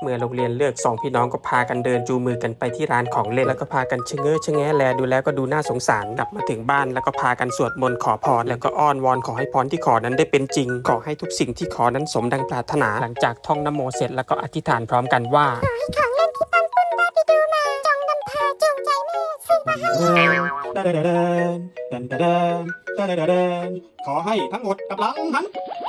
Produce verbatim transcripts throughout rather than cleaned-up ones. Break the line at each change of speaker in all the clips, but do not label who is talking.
มื่อโรงเรียนเลิกสองพี่น้องก็พากันเดินจูงมือกันไปที่ร้านของเล่นแล้วก็พากันชะเง้อชะแงะแลดูแล้วก็ดูน่าสงสารกลับมาถึงบ้านแล้วก็พากันสวดมนต์ขอพรแล้วก็อ้อนวอนขอให้พรที่ขอนั้นได้เป็นจริงขอให้ทุกสิ่งที่ขอนั้นสมดังปรารถนาหลังจากท่องนะโมเสร็จแล้วก็อธิษฐานพร้อมกันว่า
ขอให้ของเล่นที่ตั้งต้นได้ไปดูมาจงนำพาจงใจแม่ซื้อมาให้
เดินเดินเดินเดินเดินเดินเดินขอให้ทั้งหมดกำลังหัน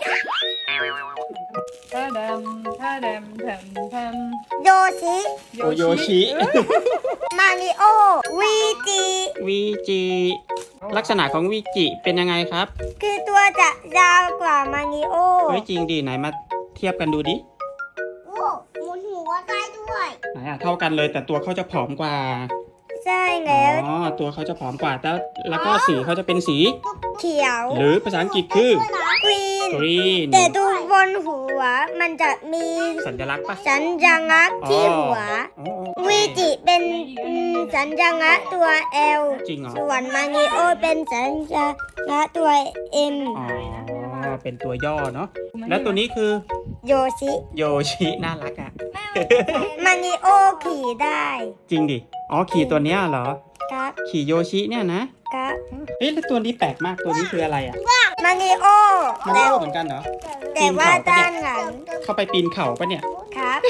ท่าดำท่าดำทำทำ
โยชิ
โอโยชิ
มาริโอวีจิ
วีจิลักษณะของวีจิเป็นยังไงครับ
คือตัวจะยาวกว่ามาริโอ
เฮ้ยจริงดิไหนมาเทียบกันดูดิ
โอ้หมุนหัวได้ด้วย
ไหนอะเท่ากันเลยแต่ตัวเขาจะผอมกว่า
ใช่แล้ว
อ๋อตัวเขาจะผอมกว่าแต่แล้วก็สีเขาจะเป็นสี
เขียว
หรือภาษาอังกฤษคือก
รีน
green
แต่ดูบนหัวมันจะมี
สัญลักษณ์ปะ
สัญลักษณ์ที่หัววีจิเป็นสัญลักษณ์ตัว L
จริงเหรอ
ส่วนมาริโอเป็นสัญลักษณ์ตัว M
อ๋อเป็นตัวย่อเนาะแล้วตัวนี้คือ
โยชิ
โยชิน่ารักอ่ะ
มาริโอขี่ได้
จริงดิอ๋อขี่ตัวเนี้ยเหรอ
ครับ
ขี่โยชิเนี่ยนะครับเฮ้ยแล้วตัวนี้แปลกมากตัวนี้คืออะไรอ่ะ
มาริโอ
มาริโอเหมือนกันเหรอ
แต่ว่าด้านหลัง
เข้าไปปีนเขาปะเนี่ย
ครับ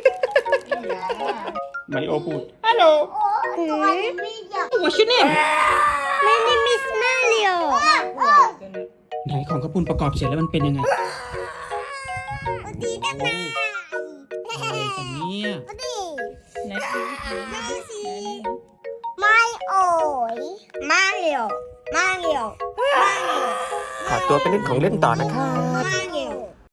มาริโอพูดฮัลโหล What's your name
My name is Mario
ไหนของกระปุนประกอบเสร็จแล้วมันเป็นยังไง
ดีได้ไหม
อะไรกันเนี่ย
ไหนดู
ไม่โอ้ยมาริโอมาริโอมาริโอ
ขอตัวไปเล่นของเล่นต่อนะครับ